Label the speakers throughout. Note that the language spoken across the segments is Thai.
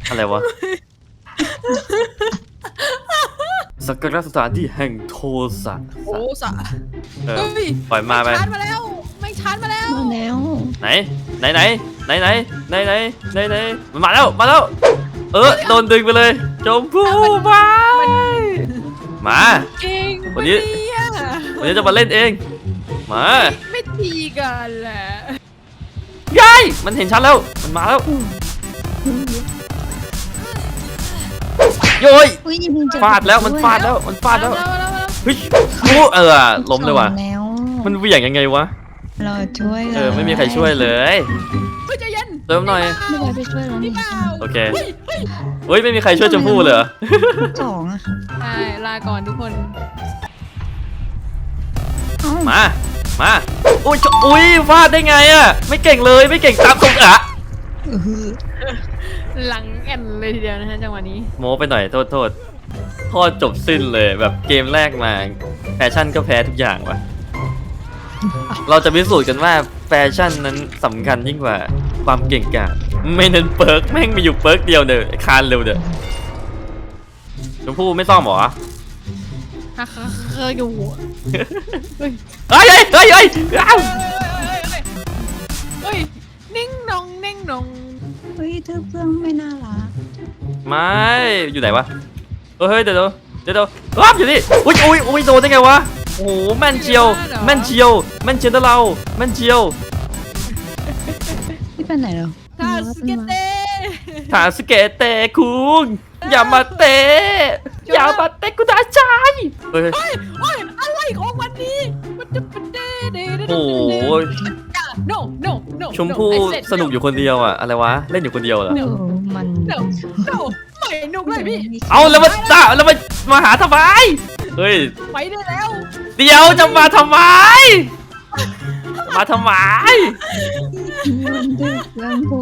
Speaker 1: อะไรวะสักการะสถานที่แห่งโทสะ
Speaker 2: โอ้สะ
Speaker 1: เออ
Speaker 2: เฮ้ย
Speaker 1: ปล่อยมาไป
Speaker 2: ชาร์จมาแล้วไม่ชาร์จมาแล้ว
Speaker 3: มาแล้ว
Speaker 1: ไหนมันมาแล้วโดนดึงไปเลยชมพู่ไปมา
Speaker 2: เก่ง
Speaker 1: วันนี้ วันนี้จะมาเล่นเองมา
Speaker 2: ไม่ตีกันแหละ
Speaker 1: ยายมันเห็นฉันแล้วมันมาแล้วโย้ย
Speaker 3: อุ้ยมึงจะ
Speaker 1: ฟาดแล้วมันฟาดแล้วเฮ้ยล้มเลยว่ะ
Speaker 3: แล้ว
Speaker 1: มันเหวี่ยงยังไงวะ
Speaker 3: เราช่วย
Speaker 1: ไม่มีใครช่วยเลย
Speaker 2: เฮ้ยใจเย็น
Speaker 1: เติมหน่อย
Speaker 3: ไม่ได้ไปช่วยเรา
Speaker 2: พี่
Speaker 3: นี่
Speaker 2: เปล่า
Speaker 1: โอเคเฮ้ยไม่มีใครช่วยชมพู่เลยเหรอ
Speaker 3: สองอ่ะ
Speaker 2: ใช่ลาก่อนทุกคน
Speaker 3: เอ้า
Speaker 1: มาอุ้ยฟาดได้ไงอ่ะไม่เก่งเลยไม่เก่งตามตรงอ่ะ
Speaker 3: เออ
Speaker 2: หลังแอนเลยทีเดียวนะฮะจังหวะนี้
Speaker 1: โม้ไปหน่อยโทษจบสิ้นเลยแบบเกมแรกมาแฟชั่นก็แพ้ทุกอย่างว่ะเราจะพิสูจน์กันว่าแฟชั่นนั้นสำคัญยิ่งกว่าความเก่งกาจไม่เน้นเปิร์กแม่งมีอยู่เปิร์กเดียวเด้อคานเร็วเด้อชมพู่ไม่ซ่อมหรอ
Speaker 2: ฮักเคยอยู่เฮ้ย
Speaker 1: เฮ้ยอ้าว
Speaker 2: เฮ้ยนิ่งนองนิ่งนอง
Speaker 3: เฮ้ยเธอเพื่อนไม่น่ารัก
Speaker 1: ไม่อยู่ไหนวะเฮ้ยเดี๋ยวรับอยู่นี่อุ้ยโดนได้ไงวะโอ้โหแม่นเชียวนะเราแม่นเชียว
Speaker 3: ที่ไปไหนเรา
Speaker 2: ทาสเกตเต้
Speaker 1: ถาสเกะเตะคุงอย่ามาเตะกูด่าใจเฮ้ย
Speaker 2: เฮ้ยอะไรของวันนี้มันจะเป็นเด้
Speaker 1: โอ้โห
Speaker 2: no
Speaker 1: ชมพู่สนุกอยู่คนเดียวอะอะไรวะเล่นอยู่คนเดียวเหรอ
Speaker 3: เออมัน
Speaker 2: no ไม่หนุกเลยพี่
Speaker 1: เอาแล้วมาหาทำไมเฮ้ย
Speaker 2: ไปได้แล้ว
Speaker 1: เดี๋ยวจะมาทำไม
Speaker 3: มันดื้อเพื่อนผม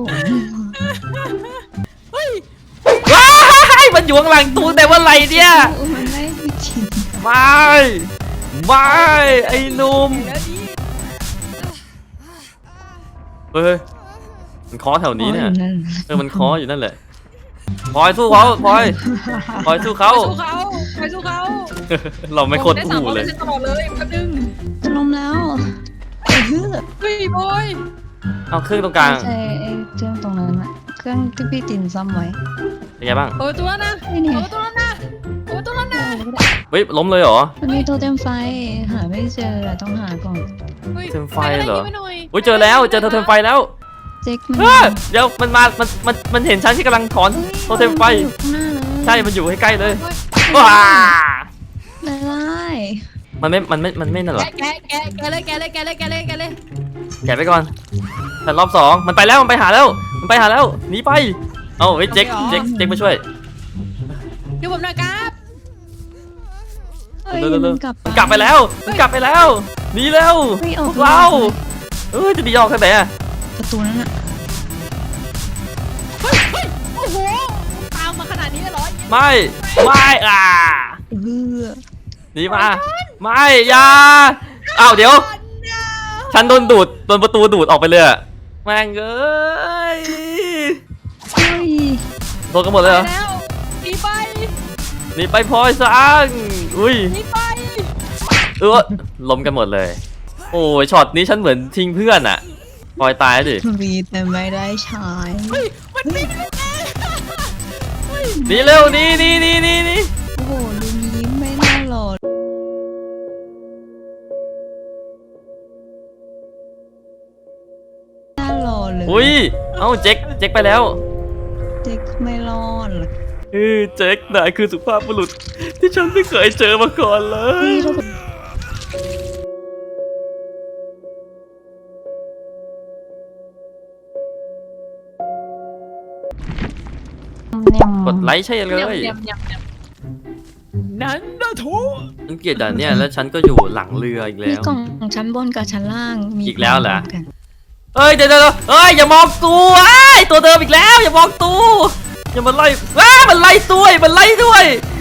Speaker 2: เฮ้ย
Speaker 1: ว้ายมันอยู่ข้างหลังตู้แต่ว่าไรเนี่ย
Speaker 3: มันได้ไม่จริง
Speaker 1: ไม่ไอ้หนุ่ม
Speaker 2: แล้วดี
Speaker 1: เฮ้ยมันเคาะแถวนี้เนี่ย
Speaker 3: นั่น
Speaker 1: มันเคาะอยู่นั่นแหละพลอยสู้เขาพลอยสู้เขา
Speaker 2: ไปสู้เขา
Speaker 1: เราไม่โคตรอู้เลย
Speaker 2: ตลอดเลยแป๊บนึง
Speaker 3: จะล้มแล้วเออ
Speaker 2: เฮ้ยบอย
Speaker 1: เอาเครื่องตรงกลาง
Speaker 3: ใช่ไอ้เครื่องตรงนั้นอะเครื่องที่พี่ตินซ่อมไว้
Speaker 1: เป็นไงบ้าง
Speaker 2: เปิดตัวนะ
Speaker 3: ไม่เนี่ย
Speaker 2: เปิดตัวนะเปิดตัวนะ
Speaker 1: เฮ้ยล้มเลยเหรอ
Speaker 3: มันมีโทเทมไฟหาไม่เจออะต้องหาก่อน
Speaker 1: เทมไฟเหรอ อุ้ยเจอแล้วเจอโทเทมไฟแล้ว
Speaker 3: เจ๊กมัน
Speaker 1: เดี๋ยวมันเห็นฉันที่กำลังถอนโทเทมไฟ
Speaker 3: อยู่ข้างหน้าเลย
Speaker 1: ใช่มันอยู่ใกล้ๆเลยว้า
Speaker 3: ไล่
Speaker 1: มันไม่นั่นหรอ
Speaker 2: แกเลย
Speaker 1: แกะไปก่อนแต่รอบสองมันไปแล้วมันไปหาแล้วหนีไปเอาเฮ้ยเจ๊กมาช่วย
Speaker 2: เดี๋ยวผมหน่อยครับ
Speaker 3: เฮ้ย
Speaker 1: เร็ว
Speaker 3: มันกลับ
Speaker 1: มันกลับไปแล้วหนีเร็ว
Speaker 3: เฮ้ยอ
Speaker 1: พ
Speaker 3: อก
Speaker 1: วกเราจะหนีออกทางไหนอะ
Speaker 3: ประตูนั้นอะ
Speaker 2: เฮ้ยโอ้โหตามมาขนาดนี้เลยเหรอ
Speaker 1: ไม่อ่ะ
Speaker 3: เออ
Speaker 1: หนีมาไม่อย่าอ้าวเดี๋ยวฉันโดนประตูดูดออกไปเลยอะแม่งเอ้ย
Speaker 3: เฮ้ย
Speaker 1: โดนกันหมดเลยเหรอ
Speaker 2: แล้วหนีไป
Speaker 1: หนีไปพลอยซังอุ้ย
Speaker 2: หนีไป
Speaker 1: ล้มกันหมดเลย โอ้ยช็อตนี้ฉันเหมือนทิ้งเพื่อนอะพลอยตายดิ
Speaker 3: มีแต่ไม่ได้ใช้
Speaker 2: เฮ้ยมันไม่ได้เฮ้ย
Speaker 1: หนีเร็วหนี
Speaker 3: โอ้โหลุงยิ้มไม่น่าหล่อน่าหล่อเลย
Speaker 1: อุ้ยเอ้าเจ๊กไปแล้ว
Speaker 3: เจ๊กไม่รอดหรอก
Speaker 1: เจ๊กนายคือสุภาพบุรุษที่ฉันไม่เคยเจอมาก่อนเลย
Speaker 3: พี่เรา
Speaker 1: กดไลค์ใช่เลย
Speaker 2: นั้นนะโถ
Speaker 1: ฉันเกลียดด่านเนี่ยแล้วฉันก็อยู่หลังเรืออีก
Speaker 3: มี
Speaker 1: แล้ว
Speaker 3: กล่องชั้นบนกับชั้นล่างมี
Speaker 1: อีกแล้วเหรอ
Speaker 3: กัน
Speaker 1: เฮ้ยเดี๋ยวเฮ้ยอย่ามองตูตัวเดิมอีกแล้วอย่ามองตูอย่ามาไล่มันไล่ด้วย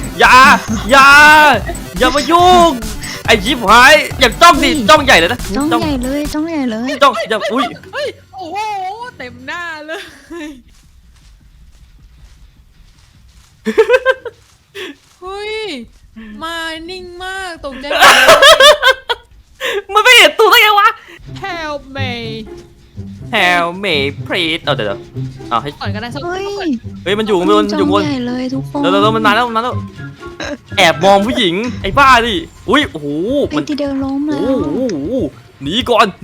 Speaker 1: อย่ามายุ่งไอ้ยิบหายอย่าจ้องดิจ้องใหญ่เลยนะ
Speaker 3: จ้องใหญ่เลยจ้องใหญ่เลย
Speaker 1: จ้องอย่าอุ้ย
Speaker 2: เฮ้ยโอ้โหเต็มหน้าเลยเฮ้ยมานิ่งมากตกใจ
Speaker 1: มันไม่เห็นตัวได้ไงวะ
Speaker 2: Help me
Speaker 1: Help me please เดี๋ยวเอาให้
Speaker 2: ก่อนก็ได้สัก
Speaker 3: เฮ้ย
Speaker 1: เฮ้ยมันอยู่บนอยู่บน
Speaker 3: ใหญ่เลยทุกคน
Speaker 1: เดี๋ยวมันมาแล้วแอบมองผู้หญิงไอ้บ้าดิอุ้ยโอ้โห
Speaker 3: ไอ้
Speaker 1: มัน
Speaker 3: ที่เดินล้ม
Speaker 1: โอ้
Speaker 3: แล้ว
Speaker 1: โหหนีก่อน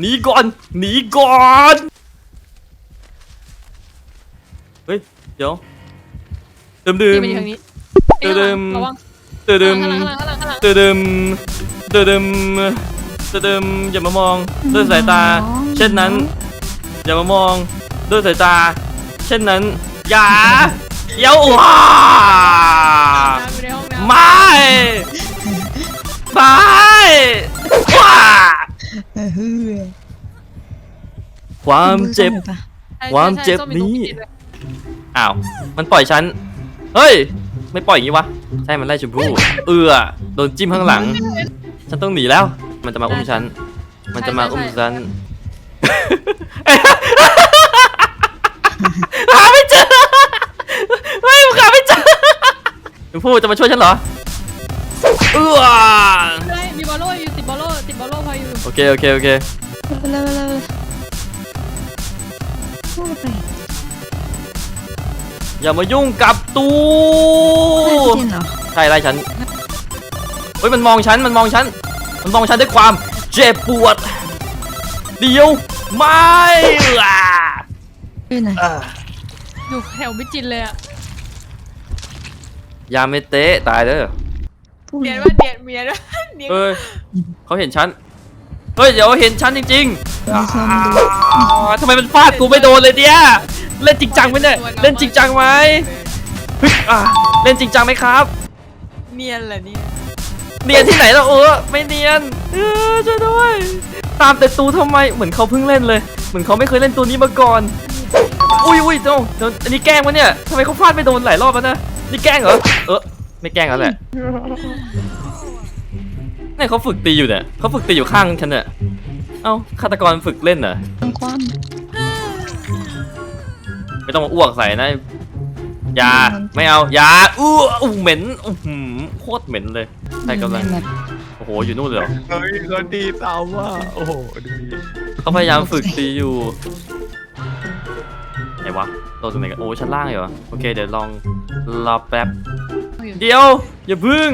Speaker 1: เฮ้ยเดี๋ยวดื่ม
Speaker 2: ที่มันอยู่ทางนี้ ระวัง
Speaker 1: ดื่ม
Speaker 2: ข้างหลังข้างหลังข้างหลัง
Speaker 1: ดื่มอย่ามามองด้วยสายตา เช่นนั้น อย่ามามองด้วยสายตา เช่นนั้นอย่าเดี๋ยวว้า
Speaker 2: อยู่ในห้องน้ำ
Speaker 1: ไม่ว้าความเจ็บ ความเจ็บนี้ อ้าว มันปล่อยฉัน เฮ้ย ไม่ปล่อยอย่างนี้วะ ใช่ มันไล่ชมพู่โดนจิ้มข้างหลัง ฉันต้องหนีแล้ว มันจะมาอุ้มฉัน หาไม่เจอไม่หาไม่เจอชมพู่จะมาช่วยฉันเหรอ
Speaker 2: ได้มีบอลโล่อยู่ติดบอลโล่พออยู่
Speaker 1: โอเค
Speaker 3: เร็วพูดไป
Speaker 1: อย่ามายุ่งกับตู
Speaker 3: ไม่ได้เหรอ
Speaker 1: ใช่ไล่ฉัน เฮ้ยมันมองฉันด้วยความเจ็บปวด เดี๋ยวไม่ล่ะ
Speaker 3: อยู่ไหน
Speaker 2: อยู่แถวมิจินเลยอะ
Speaker 1: ยาเมเตะตายเด้อ
Speaker 3: พูด
Speaker 2: เนียนว่าเนียนเมียด้วยเนียน
Speaker 1: เฮ้ยเขาเห็นฉัน เฮ้ยเดี๋ยวเห็นฉันจริง
Speaker 3: มีซ่อมดู
Speaker 1: ๆทำไมมันฟาดกูไม่โดนเลยเนี่ยเล่นจริงจังไหมเนี่ยเล่นจริงจังไหมเฮ้ยเล่นจริงจังไหมครับ
Speaker 2: เนียนเหรอเนี่ย
Speaker 1: เนียนที่ไหนแล้วไม่เนียนช่วยด้วยตามแต่ตูทำไมเหมือนเขาเพิ่งเล่นเลยเหมือนเขาไม่เคยเล่นตัวนี้มาก่อนอุ้ยเดี๋ยวอันนี้แกล้งวะเนี่ยทำไมเขาฟาดไม่โดนหลายรอบแล้วนะนี่แกล้งเหรอไม่แกล้งแล้วแหละเนี่ยเขาฝึกตีอยู่เนี่ยเขาฝึกตีอยู่ข้างฉันเนี่ยเอ้าฆาตกรฝึกเล่นเหรอ
Speaker 3: ทั้งความ
Speaker 1: ไม่ต้องมาอ้วกใส่นะอย่าไม่เอาอย่าเหม็นโคตรเหม็นเลยใครกำลังโอ้โหอยู่นู่นเลยเหรอ
Speaker 4: เฮ้ยคนดีตามว่าโอ้โหดูดิ
Speaker 1: เขาพยายามฝึกตีอยู่ไหนวะตัวตรงไหนกันโอ้ชั้นล่างเหรอโอเคเดี๋ยวลองรอแป๊บเดี๋ยวอย่าพึ่ง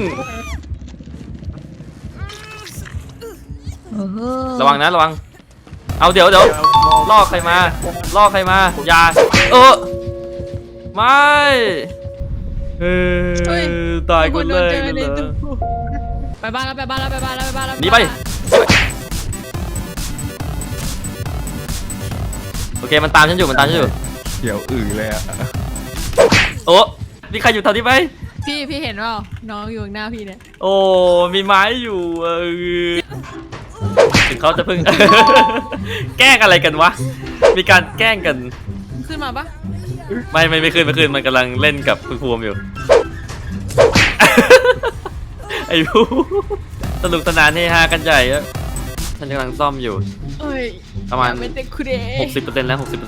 Speaker 1: ระวังนะระวังเอาเดี๋ยวล่อใครมาอย่าไม่ตายคนแรกเลยเหรอ
Speaker 2: ไปบ้านแล้ว
Speaker 1: หนีไปโอเคมันตามฉันอยู่
Speaker 4: เดี๋ยวเลยอ่ะ
Speaker 1: โอ้มีใครอยู่แถวนี้ไหม
Speaker 2: พี่เห็นว่าน้องอยู่ข้างหน้าพี่เนี่ย
Speaker 1: โอ้มีไม้อยู่ถึงเขาจะพึ่ง แกล้งอะไรกันวะมีการแกล้งกัน
Speaker 2: ขึ้นมาปะ
Speaker 1: ไม่ขึ้นมันกำลังเล่นกับคุณภูมิอยู่ ไอ้ภูสนุกสนานเฮฮากันใหญ่อะฉันกำลังซ่อมอยู่
Speaker 2: เอ้ย
Speaker 1: ประมาณ
Speaker 2: เป็นเด็กคุเด
Speaker 1: 60%แล้ว 60%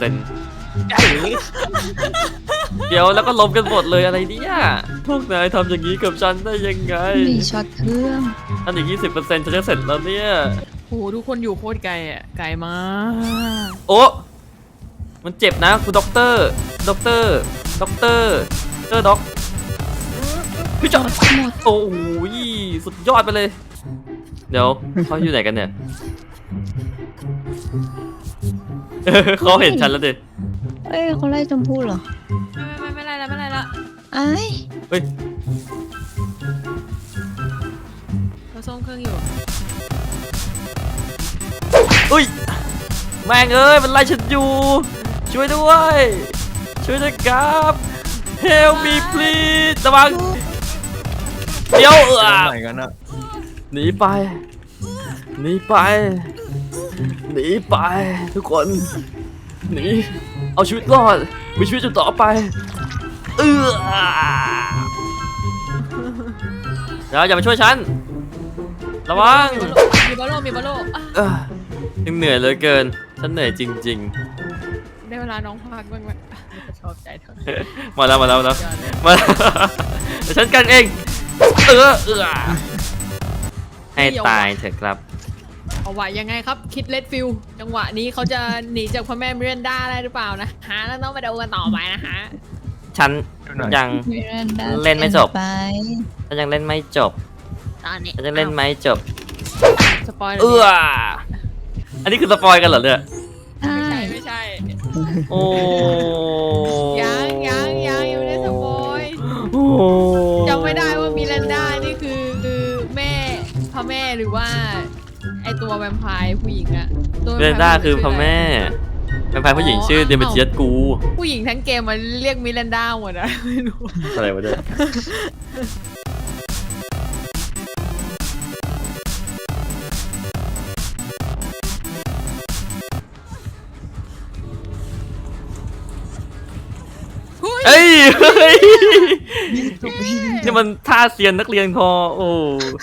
Speaker 1: เดี๋ยวแล้วก็ล้มกันหมดเลยอะไรเนี่ยพวกนายทำอย่างนี้กับฉันได้ยังไง
Speaker 3: มีช็อตเครื่อง
Speaker 1: อันอีก 20%ฉันจะเสร็จแล้วเนี่ย
Speaker 2: โอ้โหทุกคนอยู่โคตรไกลอ่ะไกลมาก
Speaker 1: โอ้มันเจ็บนะคุณด็อกเตอร์ด็อกเตอร์ด็อกพี่จอด
Speaker 3: หมด
Speaker 1: โอ้ยสุดยอดไปเลย เดี๋ยวเขาอยู่ไหนกันเนี่ย เขาเห็นฉันแล้วดิ
Speaker 3: เอ้ยเขาไล่ชมพู่เหรอ
Speaker 2: ไม่ไรละ
Speaker 3: ไอ้
Speaker 1: เฮ้ย
Speaker 2: เราซ่อมเครื่องอยู่
Speaker 1: อุ้ยแม่งเอ้ยมันไล่ฉันอยู่ ช่วยด้วยครับ Help me please ระวังเดี๋ยว
Speaker 4: ไหนกันอะ
Speaker 1: หนีไปทุกคนหนีเอาชีวิตรอดมีชีวิตอยู่ต่อไปเดี๋ยวอย่ามาช่วยฉันระวัง
Speaker 2: มีบอลโล่
Speaker 1: ยังเหนื่อยเหลือเกินฉันเหนื่อยจริง
Speaker 2: ได้เวลาน้องพักบ้างไหมชอบใจเธอ
Speaker 1: ๆมาแล้วเดี๋ยวฉันกันเองให้ตายเถอะครับ
Speaker 2: เอาไว้ยังไงครับคิดเลดฟิลจังหวะนี้เขาจะหนีจากพระแม่มิรันดาได้หรือเปล่านะฮะแล้วต้องมาดูกันต่อไปนะฮะ
Speaker 1: ฉันยัง
Speaker 3: มิรันดา
Speaker 1: เล่นไม่จบ
Speaker 3: ไป
Speaker 1: ฉันยังเล่นไม่จบ
Speaker 2: ตอนนี้
Speaker 1: ฉันยังเล่นไม่จบ
Speaker 2: สปอยล์
Speaker 1: อันนี้คือสปอยกันเหรอเนี่ย
Speaker 3: ใช่
Speaker 2: ไม่ใช่
Speaker 1: โอ้
Speaker 2: ยังไม่ได้สปอยล์
Speaker 1: โอ้
Speaker 2: จำไม่ได้ว่ามิรันดานี่คือแม่พระแม่หรือว่าไอตัวแวมไพร์ผู้หญิงอะตัว
Speaker 1: เรนด้าคือพ่อแม่เป็นพายผู้หญิงชื่อเดมิเจียสกู
Speaker 2: ผู้หญิงทั้งเกมมันเรียกมิรันดาหมดอะไม่รู้
Speaker 1: อะไรวะเนี่ยเฮ้ยนี่มันท่าเซียนนักเรียนคอโอ้